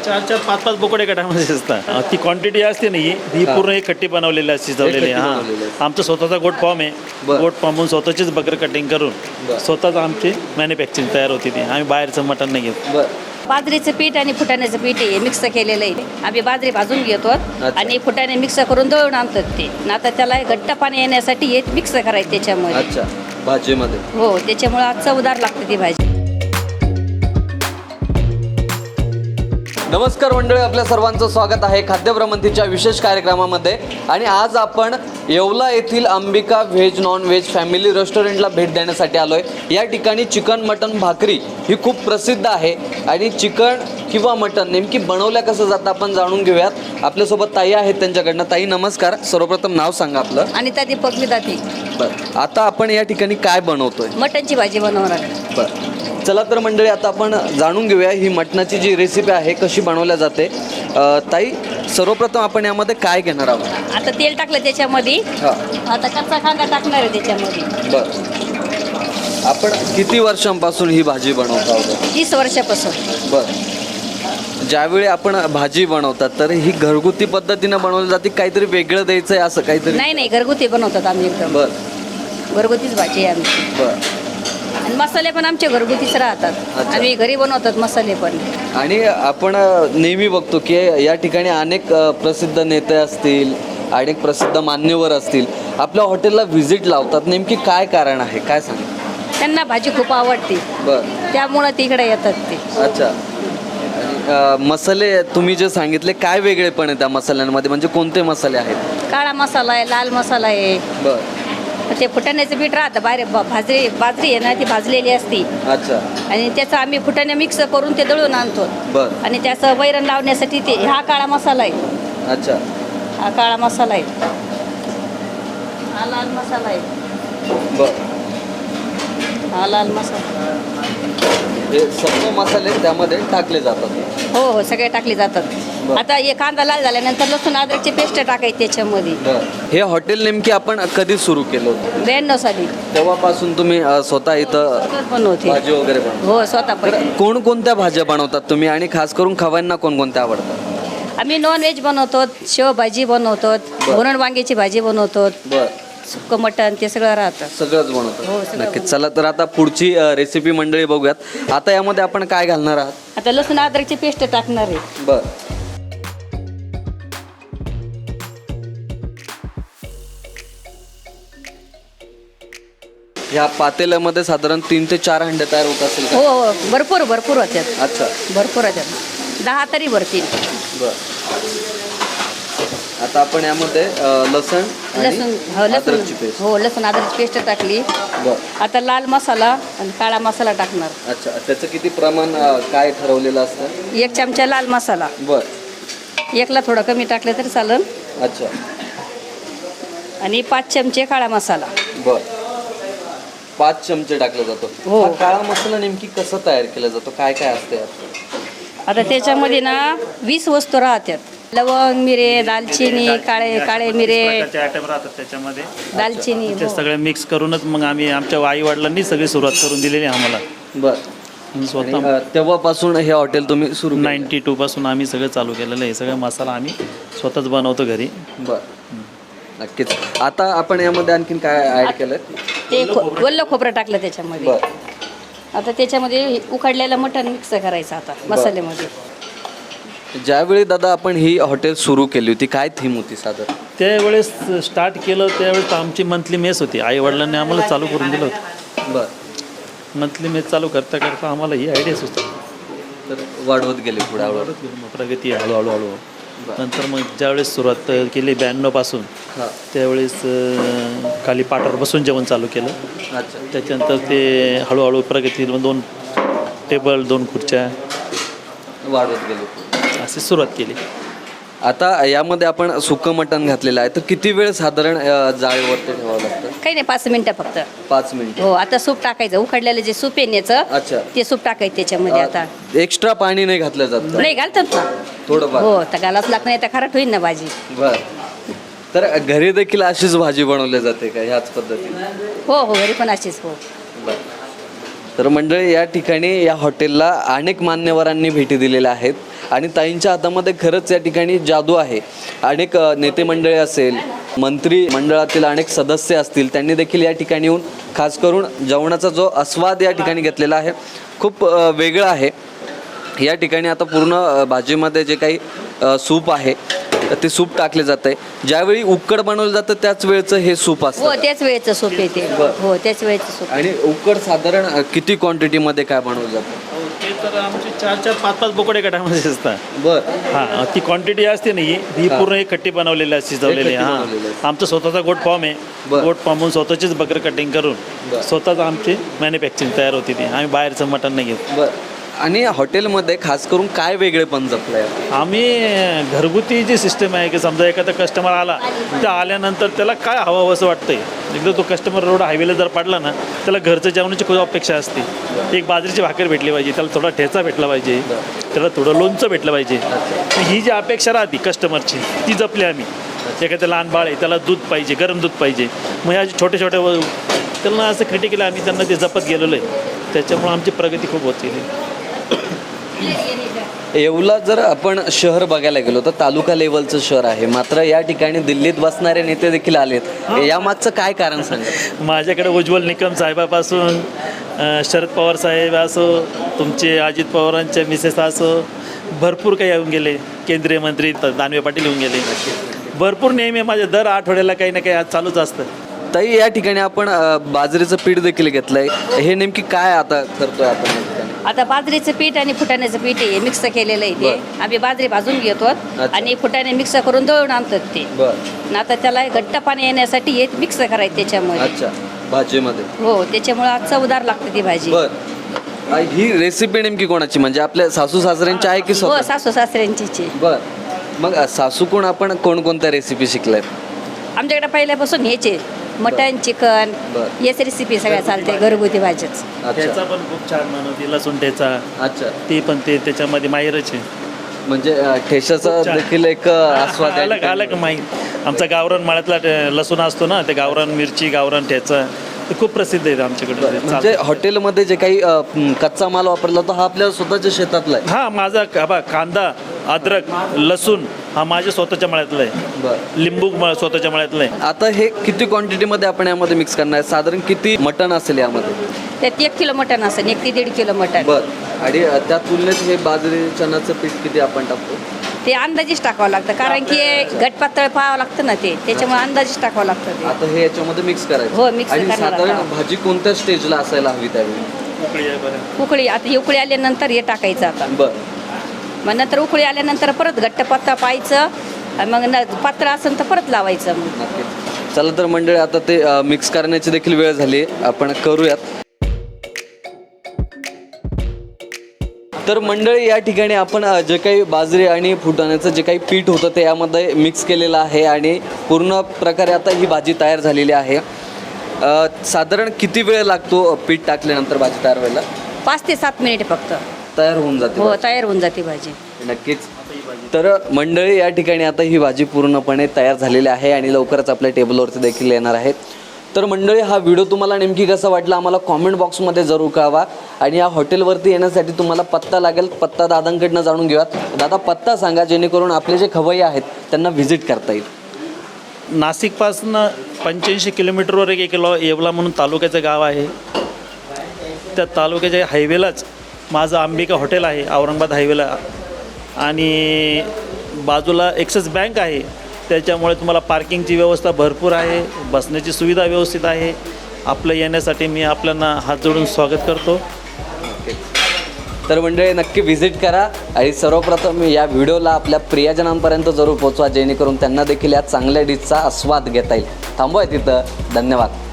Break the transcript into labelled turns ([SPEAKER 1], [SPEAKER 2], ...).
[SPEAKER 1] 4-4, 5-5 बोकडे एका टायमामध्ये असतात. ती क्वांटिटी असते ना ही पूर्ण एक खट्टी बनवलेली असते, शिजवलेली. आमचा स्वतःचा गोट फॉर्म आहे. गोट फॉर्महून स्वतःचीच बकर कटिंग करून स्वतःच आमची मॅन्युफॅक्चरिंग तयार होती ती. आम्ही बाहेरचं मटण नाही घेत.
[SPEAKER 2] बाजरीचं पीठ आणि फुटाण्याचं पीठ हे मिक्स केलेलं आहे. आम्ही बाजरी भाजून घेतो आणि फुटाणे मिक्स करून दळून आणतात ते. आता त्याला घट्ट पाणी येण्यासाठी हे मिक्स करायचं त्याच्यामध्ये.
[SPEAKER 3] अच्छा, भाजीमध्ये.
[SPEAKER 2] हो, त्याच्यामुळे आज चवदार लागते ती भाजी.
[SPEAKER 3] नमस्कार मंडळी, आपल्या सर्वांचं स्वागत आहे खाद्यभ्रमंतीच्या विशेष कार्यक्रमामध्ये. आणि आज आपण येवला येथील Ambika veg non veg family रेस्टॉरंटला भेट देण्यासाठी आलो आहे. या ठिकाणी चिकन मटन भाकरी ही खूप प्रसिद्ध आहे. आणि चिकन किंवा मटन नेमकी बनवल्या कसं जातं आपण जाणून घेऊयात. आपल्यासोबत ताई आहेत, त्यांच्याकडनं. ताई नमस्कार. सर्वप्रथम नाव सांगा आपलं.
[SPEAKER 2] अनिता दीपक लिदाती.
[SPEAKER 3] बरं, आता आपण या ठिकाणी काय बनवतोय?
[SPEAKER 2] मटनची भाजी बनवणार.
[SPEAKER 3] बरं, चला तर मंडळी आता आपण जाणून घेऊया ही मटणाची जी रेसिपी आहे कशी बनवल्या जाते. ताई, सर्वप्रथम आपण यामध्ये काय घेणार आहोत?
[SPEAKER 2] आता तेल टाकलं त्याच्यामध्ये. आता कच्चा कांदा टाकणार आहे त्याच्यामध्ये.
[SPEAKER 3] बरं, आपण किती वर्षांपासून ही भाजी बनवत आहोत?
[SPEAKER 2] 30 वर्षापासून.
[SPEAKER 3] बरं, ज्यावेळी आपण भाजी बनवतात तर ही घरगुती पद्धतीनं बनवली जाते, काहीतरी वेगळं द्यायचं आहे असं काहीतरी?
[SPEAKER 2] नाही, घरगुती बनवतात आम्ही एकदम.
[SPEAKER 3] बरं,
[SPEAKER 2] घरगुतीच भाजी आहे आमची.
[SPEAKER 3] बरं.
[SPEAKER 2] आणि मसाले पण आमचे घरगुतीच राहतात. आम्ही घरी बनवतात मसाले पण.
[SPEAKER 3] आणि आपण नेहमी बघतो की या ठिकाणी अनेक प्रसिद्ध नेते असतील, अनेक प्रसिद्ध मान्यवर असतील, आपल्या हॉटेलला व्हिजिट लावतात. नेमकी काय कारण आहे, काय सांग?
[SPEAKER 2] त्यांना भाजी खूप आवडते.
[SPEAKER 3] बरं,
[SPEAKER 2] त्यामुळं तिकडे येतात ते.
[SPEAKER 3] अच्छा. मसाले तुम्ही जे सांगितले, काय वेगळेपण आहे त्या मसाल्यांमध्ये? म्हणजे कोणते मसाले आहेत?
[SPEAKER 2] काळा मसाला आहे, लाल मसाला आहे.
[SPEAKER 3] बरं,
[SPEAKER 2] ते फुटाण्याचं पीठ राहतं बाहेर. बाजरी आहे ना, ती भाजलेली असती.
[SPEAKER 3] अच्छा.
[SPEAKER 2] आणि त्याचं आम्ही फुटाणे मिक्स करून ते दळून आणतो.
[SPEAKER 3] बरं,
[SPEAKER 2] आणि त्याचं वैरण लावण्यासाठी ते हा काळा मसाला आहे.
[SPEAKER 3] अच्छा.
[SPEAKER 2] हा काळा मसाला आहे. हा लाल मसाला आहे.
[SPEAKER 3] बरं,
[SPEAKER 2] हा लाल मसाला.
[SPEAKER 3] हे सर्व मसाले त्यामध्ये टाकले जातात?
[SPEAKER 2] हो, सगळे टाकले जातात. आता हे कांदा लाल झाल्यानंतर लसूण अद्रकची पेस्ट टाकायची त्याच्यामध्ये.
[SPEAKER 3] हे हॉटेल नेमकी आपण कधी सुरू केलं होतं?
[SPEAKER 2] 92 साली.
[SPEAKER 3] तेव्हापासून तुम्ही स्वतः इथं
[SPEAKER 2] बनवते.
[SPEAKER 3] भाजी वगैरे बनवता?
[SPEAKER 2] हो, स्वतः पण.
[SPEAKER 3] कोणकोणत्या भाज्या बनवतात तुम्ही आणि खास करून खवांना कोणकोणत्या आवडतात?
[SPEAKER 2] आम्ही नॉन व्हेज बनवतो, शेवभाजी बनवतो, भरून वांग्याची भाजी बनवतो,
[SPEAKER 3] बरं,
[SPEAKER 2] सुक्कं मटण ते सगळं राहतं.
[SPEAKER 3] सगळंच
[SPEAKER 2] हो,
[SPEAKER 3] बनवतात.
[SPEAKER 2] सगळं
[SPEAKER 3] नक्कीच. चला तर आता पुढची रेसिपी मंडळी बघूयात. आता यामध्ये आपण काय घालणार आहात?
[SPEAKER 2] आता लसूण अद्रकची पेस्ट टाकणार आहे.
[SPEAKER 3] बरं, ह्या पातेल्यामध्ये साधारण 3 ते 4 हंडे तयार होत असेल का?
[SPEAKER 2] हो, भरपूर होत्यात.
[SPEAKER 3] अच्छा.
[SPEAKER 2] भरपूर होत्यात. 10 तरी भरतील.
[SPEAKER 3] बरं, आता आपण यामध्ये लसूण अद्रकची पेस्ट.
[SPEAKER 2] हो, लसूण अद्रकची पेस्ट टाकली.
[SPEAKER 3] बरं,
[SPEAKER 2] आता लाल मसाला आणि काळा मसाला टाकणार.
[SPEAKER 3] अच्छा. त्याचं किती प्रमाण काय ठरवलेलं असतं?
[SPEAKER 2] 1 चमचा लाल मसाला.
[SPEAKER 3] बरं,
[SPEAKER 2] 1ला थोडं कमी टाकलं तरी चालेल.
[SPEAKER 3] अच्छा.
[SPEAKER 2] आणि 5 चमचे काळा मसाला.
[SPEAKER 3] बरं, 5 चमचे टाकला जातो.
[SPEAKER 2] हो.
[SPEAKER 3] हा काळा मसाला नेमकी कसं तयार केला जातो? काय काय असते यात?
[SPEAKER 2] आता त्याच्यामध्ये ना 20 वस्तू राहतात. लवंग, मिरे, दालचिनी, काळे मिरे,
[SPEAKER 1] आयटम राहतात त्याच्यामध्ये.
[SPEAKER 2] दालचिनी.
[SPEAKER 1] ते सगळे मिक्स करूनच मग आम्ही आमच्या आई वडिलांनी सगळी सुरुवात करून दिलेली आहे आम्हाला.
[SPEAKER 3] बरं,
[SPEAKER 1] स्वतः
[SPEAKER 3] आणि तेव्हापासून हे हॉटेल तुम्ही सुरू केलं?
[SPEAKER 1] 92 पासून आम्ही सगळं चालू केलेलं आहे. सगळं मसाला आम्ही स्वतःच बनवतो घरी.
[SPEAKER 3] बरं, नक्कीच. आता आपण यामध्ये आणखीन काय ऍड केलं?
[SPEAKER 2] ते वल्ल खोबरं टाकलं त्याच्यामध्ये.
[SPEAKER 3] बरं,
[SPEAKER 2] आता त्याच्यामध्ये उकडलेलं मटण मिक्स करायचं आता मसाल्यामध्ये.
[SPEAKER 3] ज्यावेळी दादा आपण ही हॉटेल सुरू केली होती, काय थीम होती साधारण?
[SPEAKER 1] त्यावेळेस स्टार्ट केलं त्यावेळेस आमची मंथली मेस होती. आई वडिलांनी आम्हाला चालू करून दिलं होतं.
[SPEAKER 3] बरं,
[SPEAKER 1] मंथली मेस चालू करता करता आम्हाला ही आयडिया सुचली.
[SPEAKER 3] तर वाढवत गेले पुढे हळूहळू.
[SPEAKER 1] प्रगती हळूहळू. नंतर मग ज्यावेळेस सुरुवात केली 92 पासून,
[SPEAKER 3] हां,
[SPEAKER 1] त्यावेळेस खाली पाटावर बसून जेवण चालू केलं.
[SPEAKER 3] अच्छा.
[SPEAKER 1] त्याच्यानंतर ते हळूहळू प्रगती 2 टेबल 2 खुर्च्या
[SPEAKER 3] वाढवत गेले,
[SPEAKER 1] अशी सुरुवात केली.
[SPEAKER 3] आता यामध्ये आपण सुकं मटण घातलेलं आहे, तर किती वेळ साधारण जाळीवरती ठेवावं लागतं?
[SPEAKER 2] काही नाही, 5 मिनिटं फक्त.
[SPEAKER 3] 5 मिनिट.
[SPEAKER 2] हो, आता सूप टाकायचं. उकडलेलं जे सूप आहे याचं,
[SPEAKER 3] अच्छा.
[SPEAKER 2] ते सूप टाकायचं त्याच्यामध्ये. आता
[SPEAKER 3] एक्स्ट्रा पाणी नाही घातलं जात?
[SPEAKER 2] नाही, घालतात ना
[SPEAKER 3] थोडं.
[SPEAKER 2] हो, तर घालाच लागत नाही तर खराट होईल ना भाजी.
[SPEAKER 3] बरं, तर घरी देखील अशीच भाजी बनवली जाते का ह्याच पद्धतीने?
[SPEAKER 2] हो, घरी पण अशीच. हो.
[SPEAKER 3] बरं, तर मंडळी या ठिकाणी या हॉटेलला अनेक मान्यवरांनी भेटी दिलेल्या आहेत आणि ताईंच्या हातामध्ये खरंच या ठिकाणी जादू आहे. अनेक नेते मंडळी असेल, मंत्री मंडळातील अनेक सदस्य असतील, त्यांनी देखील या ठिकाणी येऊन खास करून जेवणाचा जो आस्वाद या ठिकाणी घेतलेला आहे खूप वेगळा आहे. या ठिकाणी आता पूर्ण भाजीमध्ये जे काही सूप आहे ते सूप टाकले जाते. ज्यावेळी उकड बनवलं जातं त्याच वेळचं हे सूप
[SPEAKER 2] हो
[SPEAKER 3] असतं.
[SPEAKER 2] त्याच वेळेचं सूप येते. हो त्याच वेळेचं सूप.
[SPEAKER 3] आणि उकड साधारण किती क्वांटिटीमध्ये काय बनवलं जातं?
[SPEAKER 1] ते तर आमचे 4-4, 5-5 बोकडे गटामध्ये असतात.
[SPEAKER 3] बरं.
[SPEAKER 1] हां, ती क्वांटिटी असते ना ही पूर्ण एक कट्टी बनवलेली असते, शिजवलेली.
[SPEAKER 3] एक कट्टी
[SPEAKER 1] हां,
[SPEAKER 3] बनवलेली असते.
[SPEAKER 1] आमचा स्वतःचा गोट फॉर्म आहे.
[SPEAKER 3] बरं.
[SPEAKER 1] गोट फॉर्महून स्वतःचीच बकर कटिंग करून
[SPEAKER 3] बरं.
[SPEAKER 1] स्वतःच आमची मॅन्युफॅक्चरिंग तयार होती. ती आम्ही बाहेरचं मटण नाही घेत.
[SPEAKER 3] बरं. आणि हॉटेलमध्ये खास करून काय वेगळेपण जपलं आहे?
[SPEAKER 1] आम्ही घरगुती जी सिस्टम आहे की समजा एखादा कस्टमर आला तर आल्यानंतर त्याला काय हवं असं वाटतंय. एकदा तो कस्टमर रोड हायवेला जर पडला ना त्याला घरचं जेवणाची खूप अपेक्षा असते. एक बाजरीची भाकर भेटली पाहिजे, त्याला थोडा ठेचा भेटला पाहिजे, त्याला थोडं लोणचं भेटलं पाहिजे. ही जी अपेक्षा राहते कस्टमरची ती जपली आम्ही. एखाद्या लहान बाळ आहे त्याला दूध पाहिजे, गरम दूध पाहिजे. मग ह्या छोटे छोटे त्यांना असं क्रिटिकल आम्ही त्यांना ते जपत गेलेलो आहे. त्याच्यामुळे आमची प्रगती खूप होत गेली.
[SPEAKER 3] येवला जर आपण शहर बघायला गेलो तर तालुका लेवलचं शहर आहे, मात्र या ठिकाणी दिल्लीत बसणारे नेते देखील आलेत. यामागचं काय कारण सांगा?
[SPEAKER 1] माझ्याकडे उज्ज्वल निकम साहेबापासून शरद पवार साहेब असो, तुमचे अजित पवारांच्या मिसेस असो, भरपूर काही येऊन गेले. केंद्रीय मंत्री दानवे पाटील येऊन गेले. भरपूर नेहमी माझ्या दर आठवड्याला काही ना काही आज चालूच असतं.
[SPEAKER 3] ताई, या ठिकाणी आपण बाजरीचं पीठ देखील घेतलंय. हे नेमकी काय आता करतोय आपण?
[SPEAKER 2] आता बाजरीचं पीठ आणि फुटाण्याचं पीठ आहे मिक्स केलेलं आहे ते. आम्ही बाजरी भाजून घेतो आणि फुटाणे मिक्स करून दळून आणतात ते.
[SPEAKER 3] बरं.
[SPEAKER 2] आता त्याला घट्ट पाणी येण्यासाठी हे मिक्स करायचं त्याच्यामध्ये.
[SPEAKER 3] अच्छा, भाजीमध्ये.
[SPEAKER 2] हो त्याच्यामुळे आज चवदार लागते ती भाजी.
[SPEAKER 3] बरं. ही रेसिपी नेमकी कोणाची, म्हणजे आपल्या सासू सासऱ्यांची आहे की
[SPEAKER 2] हो
[SPEAKER 3] स्वतः?
[SPEAKER 2] सासू सासऱ्यांची.
[SPEAKER 3] बरं. मग सासू कोण आपण कोणकोणत्या रेसिपी शिकलाय?
[SPEAKER 2] आमच्याकडे पहिल्यापासून ह्याचे मटन, चिकन,
[SPEAKER 3] बरं.
[SPEAKER 2] याच रेसिपी सगळ्या चालते घरगुती भाजीच.
[SPEAKER 1] ठेचा पण खूप छान बनवते, लसूण ठेचा.
[SPEAKER 3] अच्छा.
[SPEAKER 1] ती पण ते त्याच्यामध्ये माहिरच आहे.
[SPEAKER 3] म्हणजे ठेशाचा
[SPEAKER 1] खूप छान.
[SPEAKER 3] देखील एक आस्वाद आहे.
[SPEAKER 1] अलग अलग माहीत. आमचा गावरान माळ्यातला लसूण असतो ना, ते गावरान मिरची, गावरान ठेचा ते खूप प्रसिद्ध आहे आमच्याकडे.
[SPEAKER 3] म्हणजे हॉटेलमध्ये जे काही कच्चा माल वापरला तो हा आपल्या स्वतःच्या शेतातला आहे.
[SPEAKER 1] हा माझा कांदा, अद्रक, लसूण हा माझ्या स्वतःच्या मळ्यातला आहे.
[SPEAKER 3] बरं.
[SPEAKER 1] लिंबू स्वतःच्या मळ्यातला आहे.
[SPEAKER 3] आता हे किती क्वांटिटीमध्ये आपण यामध्ये मिक्स करणार आहे? साधारण किती मटण असेल यामध्ये?
[SPEAKER 2] त्यात 1 किलो मटन असेल, 1 ते 1.5 किलो मटन.
[SPEAKER 3] बरं. आणि त्या तुलनेत हे बाजरी चण्याचं पीठ किती आपण टाकतो?
[SPEAKER 2] ते अंदाजेच टाकावं लागतं, कारण की घट पातळ पाहावं लागतं ना ते, त्याच्यामुळे अंदाजेच टाकावं लागतं ते.
[SPEAKER 3] आता हे याच्यामध्ये मिक्स करायचं.
[SPEAKER 2] हो, mix
[SPEAKER 3] आणि
[SPEAKER 2] करणार
[SPEAKER 3] साधारण
[SPEAKER 2] आता.
[SPEAKER 3] भाजी कोणत्या स्टेजला असायला हवी त्यावेळी?
[SPEAKER 1] उकळी आहे बरं.
[SPEAKER 2] उकळी आता उकळी आल्यानंतर हे टाकायचं. आता
[SPEAKER 3] बरं.
[SPEAKER 2] मग नंतर उकळी आल्यानंतर परत घट्ट पत्ता पाहायचं, आणि मग पात्र असेल तर परत लावायचं. मग
[SPEAKER 3] नक्कीच. चला तर मंडळी, आता ते मिक्स करण्याची देखील वेळ झाली, आपण करूयात. तर मंडळी, या ठिकाणी आपण जे काही बाजरी आणि फुटाण्याचं जे काही पीठ होतं ते यामध्ये मिक्स केलेलं आहे आणि पूर्ण प्रकारे आता ही भाजी तयार झालेली आहे. साधारण किती वेळ लागतो पीठ टाकल्यानंतर भाजी तयार व्हायला?
[SPEAKER 2] 5 ते 7 मिनिट फक्त
[SPEAKER 3] तयार होऊन जाते.
[SPEAKER 2] हो तयार होऊन जाते भाजी.
[SPEAKER 3] नक्कीच. तर मंडळी, या ठिकाणी आता ही भाजी पूर्णपणे तयार झालेली आहे आणि लवकरच आपल्या टेबलवरती देखील येणार आहेत. तर मंडळी, हा व्हिडिओ तुम्हाला नेमकी कसा वाटला आम्हाला कॉमेंट बॉक्समध्ये जरूर कळवा. आणि या हॉटेलवरती येण्यासाठी तुम्हाला पत्ता लागेल, पत्ता दादांकडनं जाणून घेऊयात. दादा, पत्ता सांगा जेणेकरून आपले जे खवय्ये आहेत त्यांना व्हिजिट करता येईल.
[SPEAKER 1] नाशिकपासून 85 किलोमीटरवर एक येवला म्हणून तालुक्याचं गाव आहे. त्या तालुक्याच्या हायवेलाच माझं अंबिका हॉटेल आहे, औरंगाबाद हायवेला. आणि बाजूला ॲक्सिस बँक आहे, त्याच्यामुळे तुम्हाला पार्किंगची व्यवस्था भरपूर आहे, बसण्याची सुविधा व्यवस्थित आहे. आपलं येण्यासाठी मी आपल्याला हात जोडून स्वागत करतो.
[SPEAKER 3] तर मंडळी, नक्की व्हिजिट करा आणि सर्वप्रथम या व्हिडिओला आपल्या प्रियजनांपर्यंत जरूर पोहोचवा जेणेकरून त्यांना देखील या चांगल्या डिशचा आस्वाद घेता येईल. थांबूया तिथं. धन्यवाद.